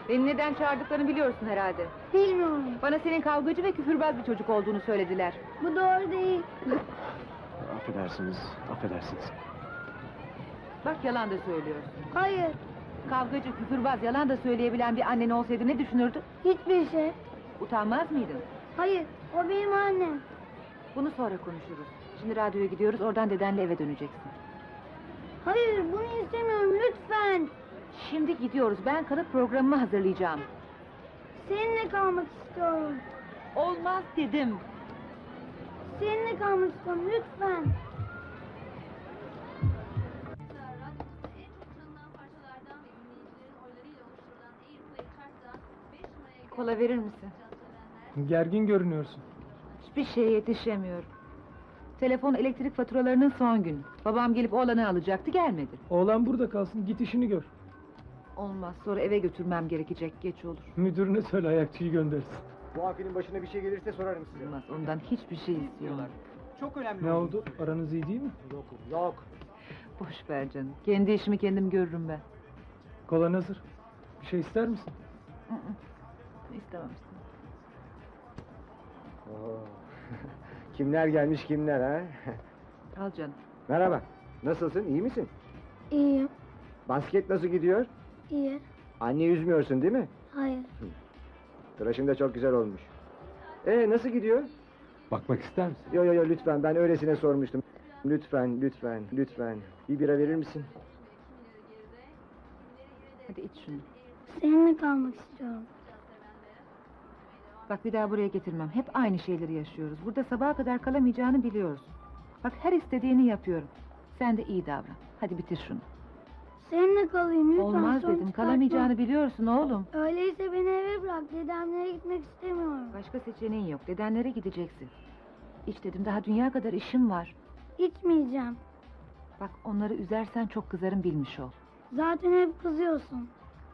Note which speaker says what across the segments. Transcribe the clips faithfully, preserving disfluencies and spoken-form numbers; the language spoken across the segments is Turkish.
Speaker 1: Beni neden çağırdıklarını biliyorsun herhalde.
Speaker 2: Bilmiyorum.
Speaker 1: Bana senin kavgacı ve küfürbaz bir çocuk olduğunu söylediler.
Speaker 2: Bu doğru değil.
Speaker 3: Affedersiniz, affedersiniz.
Speaker 1: Bak yalan da söylüyorsun.
Speaker 2: Hayır.
Speaker 1: Kavgacı, küfürbaz, yalan da söyleyebilen bir annen olsaydı ne düşünürdün?
Speaker 2: Hiçbir şey.
Speaker 1: Utanmaz mıydın?
Speaker 2: Hayır. O benim annem.
Speaker 1: Bunu sonra konuşuruz. Şimdi radyoya gidiyoruz, oradan dedenle eve döneceksin.
Speaker 2: Hayır, bunu istemiyorum lütfen.
Speaker 1: Şimdi gidiyoruz, ben kalıp programımı hazırlayacağım.
Speaker 2: Seninle kalmak istiyorum.
Speaker 1: Olmaz dedim.
Speaker 2: Seninle kalmak istiyorum lütfen.
Speaker 1: Kola verir misin?
Speaker 4: Gergin görünüyorsun.
Speaker 1: Hiçbir şeye yetişemiyorum. Telefon elektrik faturalarının son günü. Babam gelip oğlanı alacaktı, gelmedi.
Speaker 4: Oğlan burada kalsın, git işini gör.
Speaker 1: Olmaz, sonra eve götürmem gerekecek, geç olur.
Speaker 4: Müdürüne söyle ayakçıyı göndersin.
Speaker 3: Bu afinin başına bir şey gelirse sorarım size.
Speaker 1: Olmaz, ondan hiçbir şey istiyorlar.
Speaker 3: Çok önemli.
Speaker 4: Ne oldu? Aranız iyi değil mi?
Speaker 3: Yok, yok.
Speaker 1: Boş ver canım, kendi işimi kendim görürüm ben.
Speaker 4: Kolan hazır. Bir şey ister misin?
Speaker 1: Hı hı. İstemem, istemem.
Speaker 3: Oo. Kimler gelmiş kimler ha?
Speaker 1: Al canım.
Speaker 3: Merhaba. Nasılsın? İyi misin?
Speaker 2: İyiyim.
Speaker 3: Basket nasıl gidiyor?
Speaker 2: İyi.
Speaker 3: Anne üzmüyorsun değil mi?
Speaker 2: Hayır.
Speaker 3: Tıraşın da çok güzel olmuş. Ee nasıl gidiyor?
Speaker 4: Bakmak ister misin?
Speaker 3: Yo yo yo lütfen, ben öylesine sormuştum. Lütfen, lütfen, lütfen. Bir bira verir misin?
Speaker 1: Hadi iç şunu.
Speaker 2: Seninle kalmak istiyorum.
Speaker 1: Bak bir daha buraya getirmem. Hep aynı şeyleri yaşıyoruz. Burada sabaha kadar kalamayacağını biliyoruz. Bak her istediğini yapıyorum. Sen de iyi davran. Hadi bitir şunu.
Speaker 2: Seninle kalayım lütfen.
Speaker 1: Olmaz
Speaker 2: sorun
Speaker 1: dedim.
Speaker 2: çıkartma.
Speaker 1: Kalamayacağını biliyorsun oğlum.
Speaker 2: Öyleyse beni eve bırak. Dedemlere gitmek istemiyorum.
Speaker 1: Başka seçeneğin yok. Dedenlere gideceksin. İç dedim, daha dünya kadar işim var.
Speaker 2: İçmeyeceğim.
Speaker 1: Bak onları üzersen çok kızarım, bilmiş ol.
Speaker 2: Zaten hep kızıyorsun.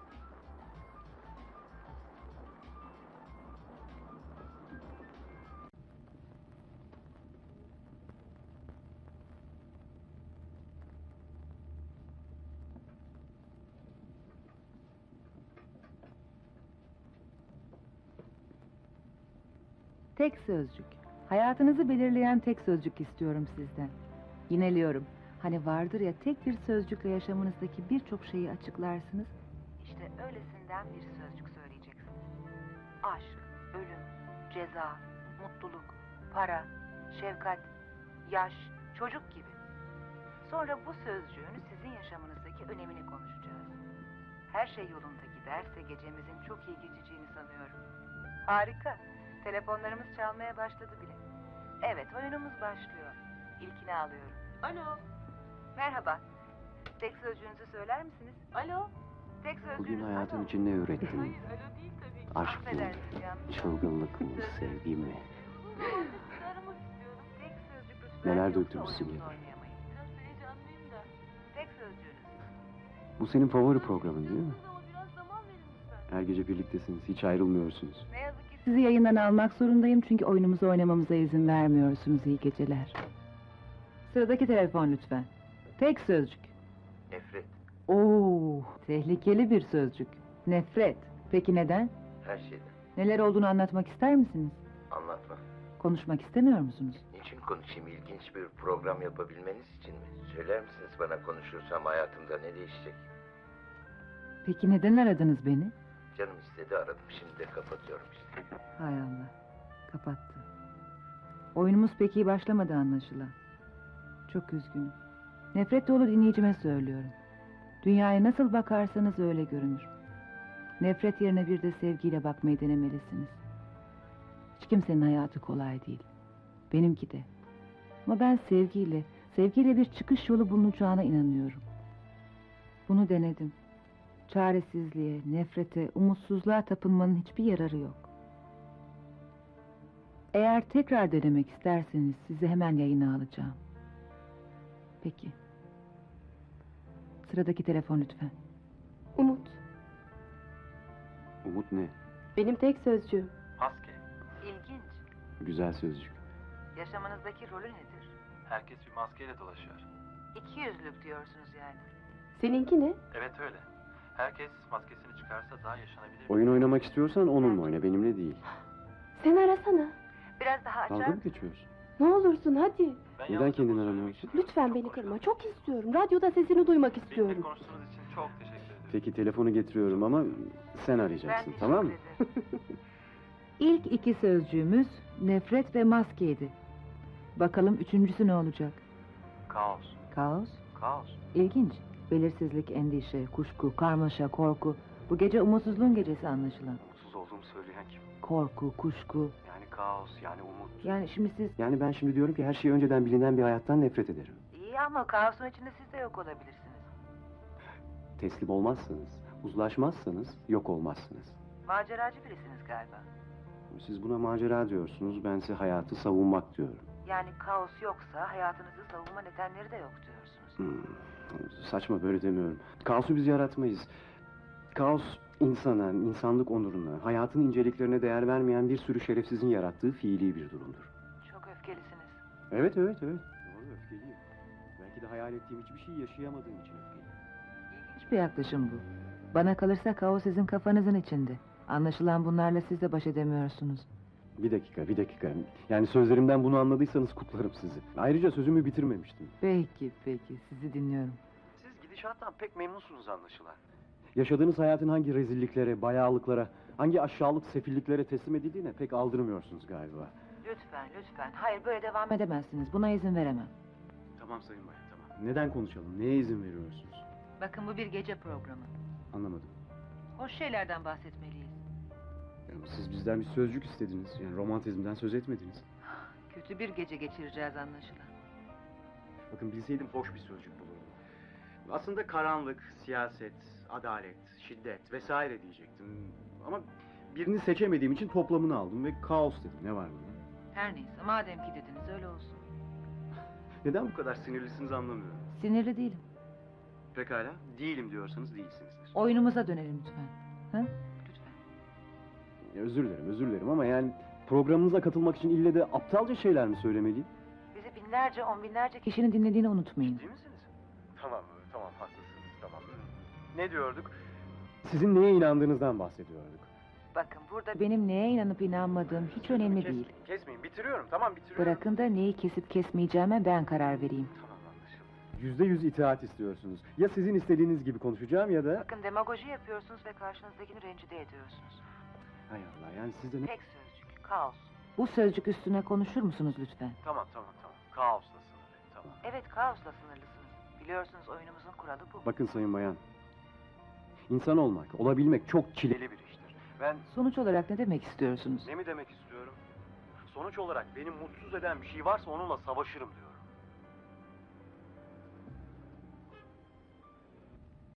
Speaker 1: Tek sözcük. Hayatınızı belirleyen tek sözcük istiyorum sizden. Yineliyorum. Hani vardır ya, tek bir sözcükle yaşamınızdaki birçok şeyi açıklarsınız. İşte öylesinden bir sözcük söyleyeceksiniz. Aşk, ölüm, ceza, mutluluk, para, şefkat, yaş, çocuk gibi. Sonra bu sözcüğün sizin yaşamınızdaki önemini konuşacağız. Her şey yolunda giderse gecemizin çok iyi geçeceğini sanıyorum. Harika. Telefonlarımız çalmaya başladı bile. Evet, oyunumuz başlıyor. İlkini alıyorum. Alo. Merhaba. Tek sözcüğünüzü söyler misiniz? Alo. Tek sözcüğünüz
Speaker 5: Bugün hayatın
Speaker 1: alo.
Speaker 5: için ne ürettin?
Speaker 1: Hayır, alo değil tabii.
Speaker 5: Aşk mı?
Speaker 1: Affedersiniz yalnız.
Speaker 5: Çılgınlık mı? Sevgi mi?
Speaker 1: Aramak istiyorum. Tek sözcük lütfen.
Speaker 5: Neler
Speaker 1: Yoksa
Speaker 5: döktürmüşsün
Speaker 1: oyunumuzu
Speaker 5: ya?
Speaker 1: oynayamayız. Biraz heyecanlıyım da. Tek sözcüğünüz.
Speaker 5: Bu senin favori programın değil mi?
Speaker 1: Ama biraz zaman verin lütfen.
Speaker 5: Her gece birliktesiniz, hiç ayrılmıyorsunuz.
Speaker 1: Ne yazık ki sizi yayından almak zorundayım çünkü oyunumuzu oynamamıza izin vermiyorsunuz. İyi geceler. Sıradaki telefon lütfen. Tek sözcük.
Speaker 6: Nefret.
Speaker 1: Oo, tehlikeli bir sözcük. Nefret. Peki neden?
Speaker 6: Her şeyden.
Speaker 1: Neler olduğunu anlatmak ister misiniz?
Speaker 6: Anlatma.
Speaker 1: Konuşmak istemiyor musunuz?
Speaker 6: Niçin konuşayım? İlginç bir program yapabilmeniz için mi? Söyler misiniz bana, konuşursam hayatımda ne değişecek?
Speaker 1: Peki neden aradınız beni?
Speaker 6: Canım istedi, aradım. Şimdi de kapatıyorum işte.
Speaker 1: Hay Allah. Kapattı. Oyunumuz pek iyi başlamadı anlaşılan. Çok üzgünüm. Nefret dolu dinleyicime söylüyorum. Dünyaya nasıl bakarsanız öyle görünür. Nefret yerine bir de sevgiyle bakmayı denemelisiniz. Hiç kimsenin hayatı kolay değil. Benimki de. Ama ben sevgiyle, sevgiyle bir çıkış yolu bulunacağına inanıyorum. Bunu denedim. Çaresizliğe, nefrete, umutsuzluğa tapınmanın hiçbir yararı yok. Eğer tekrar denemek isterseniz sizi hemen yayına alacağım. Peki. Sıradaki telefon lütfen.
Speaker 7: Umut.
Speaker 5: Umut ne?
Speaker 7: Benim tek sözcüğüm.
Speaker 8: Maske.
Speaker 1: İlginç.
Speaker 5: Güzel sözcük.
Speaker 1: Yaşamınızdaki rolü nedir?
Speaker 8: Herkes bir maskeyle dolaşıyor.
Speaker 1: İki yüzlük diyorsunuz yani.
Speaker 7: Seninki ne?
Speaker 8: Evet öyle. Herkes maskesini çıkarsa daha yaşanabilir.
Speaker 5: Oyun oynamak istiyorsan onunla oyna, benimle değil.
Speaker 7: Sen arasana.
Speaker 1: Biraz daha
Speaker 5: Dalga mı geçiyorsun?
Speaker 7: Ne olursun hadi.
Speaker 8: Ben
Speaker 5: Neden
Speaker 8: yalnızca
Speaker 5: kendini
Speaker 8: bunu söylemek
Speaker 5: aramıyorsun?
Speaker 8: istiyorum.
Speaker 7: Lütfen
Speaker 8: Çok
Speaker 7: beni
Speaker 8: konuşalım.
Speaker 7: kırma. Çok istiyorum. Radyoda sesini duymak
Speaker 8: Benimle
Speaker 7: istiyorum.
Speaker 8: konuştuğunuz için çok teşekkür ederim.
Speaker 5: Peki telefonu getiriyorum ama sen arayacaksın, tamam mı?
Speaker 1: İlk iki sözcüğümüz nefret ve maskeydi. Bakalım üçüncüsü ne olacak?
Speaker 8: Kaos.
Speaker 1: Kaos,
Speaker 8: Kaos.
Speaker 1: ilginç. Belirsizlik, endişe, kuşku, karmaşa, korku. Bu gece umutsuzluğun gecesi anlaşılan.
Speaker 8: Mutsuz olduğumu söyleyen kim?
Speaker 1: Korku, kuşku.
Speaker 8: Yani kaos, yani umut.
Speaker 1: Yani şimdi siz...
Speaker 5: Yani ben şimdi diyorum ki her şey önceden bilinen bir hayattan nefret ederim.
Speaker 1: İyi ama kaosun içinde siz de yok olabilirsiniz.
Speaker 5: Teslim olmazsanız, uzlaşmazsanız yok olmazsınız.
Speaker 1: Maceracı birisiniz galiba.
Speaker 5: Siz buna macera diyorsunuz, bense hayatı savunmak diyorum.
Speaker 1: Yani kaos yoksa hayatınızı savunma nedenleri de yok diyorsunuz.
Speaker 5: Hmm, saçma, böyle demiyorum. Kaosu biz yaratmayız. Kaos insana, insanlık onuruna, hayatın inceliklerine değer vermeyen bir sürü şerefsizin yarattığı fiili bir durumdur.
Speaker 1: Çok öfkelisiniz.
Speaker 5: Evet, evet, evet. Doğru, öfkeliyim. Belki de hayal ettiğim hiçbir şey yaşayamadığım için öfkeliyim.
Speaker 1: İlginç bir yaklaşım bu. Bana kalırsa kaos sizin kafanızın içinde. Anlaşılan bunlarla siz de baş edemiyorsunuz.
Speaker 5: Bir dakika, bir dakika. Yani sözlerimden bunu anladıysanız kutlarım sizi. Ayrıca sözümü bitirmemiştim.
Speaker 1: Peki, peki. Sizi dinliyorum.
Speaker 8: Siz gidişattan pek memnunsunuz anlaşılan.
Speaker 5: Yaşadığınız hayatın hangi rezilliklere, bayağılıklara, hangi aşağılık sefilliklere teslim edildiğine pek aldırmıyorsunuz galiba.
Speaker 1: Lütfen, lütfen. Hayır, böyle devam edemezsiniz. Buna izin veremem.
Speaker 5: Tamam Sayın Bayan, tamam. Neden konuşalım? Neye izin veriyorsunuz?
Speaker 1: Bakın bu bir gece programı.
Speaker 5: Anlamadım.
Speaker 1: Hoş şeylerden bahsetmeliyiz.
Speaker 5: Yani siz bizden bir sözcük istediniz. Yani romantizmden söz etmediniz.
Speaker 1: Kötü bir gece geçireceğiz anlaşılan.
Speaker 5: Bakın bilseydim hoş bir sözcük bulurdum. Aslında karanlık, siyaset, adalet, şiddet vesaire diyecektim. Ama birini seçemediğim için toplamını aldım ve kaos dedim. Ne var bunda?
Speaker 1: Her neyse, madem ki dediniz öyle olsun.
Speaker 5: Neden bu kadar sinirlisiniz anlamıyorum.
Speaker 1: Sinirli değilim.
Speaker 5: Pekala, değilim diyorsanız değilsinizdir.
Speaker 1: Oyunumuza dönelim lütfen. Ha? Lütfen.
Speaker 5: Ya, özür dilerim, özür dilerim ama yani programınıza katılmak için ille de aptalca şeyler mi söylemeliyim?
Speaker 1: Bizi binlerce, on binlerce kişinin dinlediğini unutmayın.
Speaker 8: Değil misiniz? Tamam, tamam haklısınız, tamam. Ne diyorduk?
Speaker 5: Sizin neye inandığınızdan bahsediyorduk.
Speaker 1: Bakın burada benim neye inanıp inanmadığım hiç önemli
Speaker 8: Kes-
Speaker 1: değil.
Speaker 8: Kesmeyin, bitiriyorum, tamam bitiriyorum.
Speaker 1: Bırakın da neyi kesip kesmeyeceğime ben karar vereyim.
Speaker 8: Tamam anlaşıldı.
Speaker 5: Yüzde yüz itaat istiyorsunuz. Ya sizin istediğiniz gibi konuşacağım ya da...
Speaker 1: Bakın demagoji yapıyorsunuz ve karşınızdakini rencide ediyorsunuz.
Speaker 5: Hay Allah, yani siz de ne...
Speaker 1: Tek sözcük, kaos. Bu sözcük üstüne konuşur musunuz lütfen?
Speaker 8: Tamam, tamam, tamam. Kaosla sınırlı, tamam.
Speaker 1: Evet, kaosla sınırlısınız. Biliyorsunuz oyunumuzun kuralı bu.
Speaker 5: Bakın Sayın Bayan. İnsan olmak, olabilmek çok çileli
Speaker 8: Deli bir iştir. Ben
Speaker 1: Sonuç olarak ne demek istiyorsunuz?
Speaker 8: ne mi demek istiyorum? Sonuç olarak beni mutsuz eden bir şey varsa onunla savaşırım diyorum.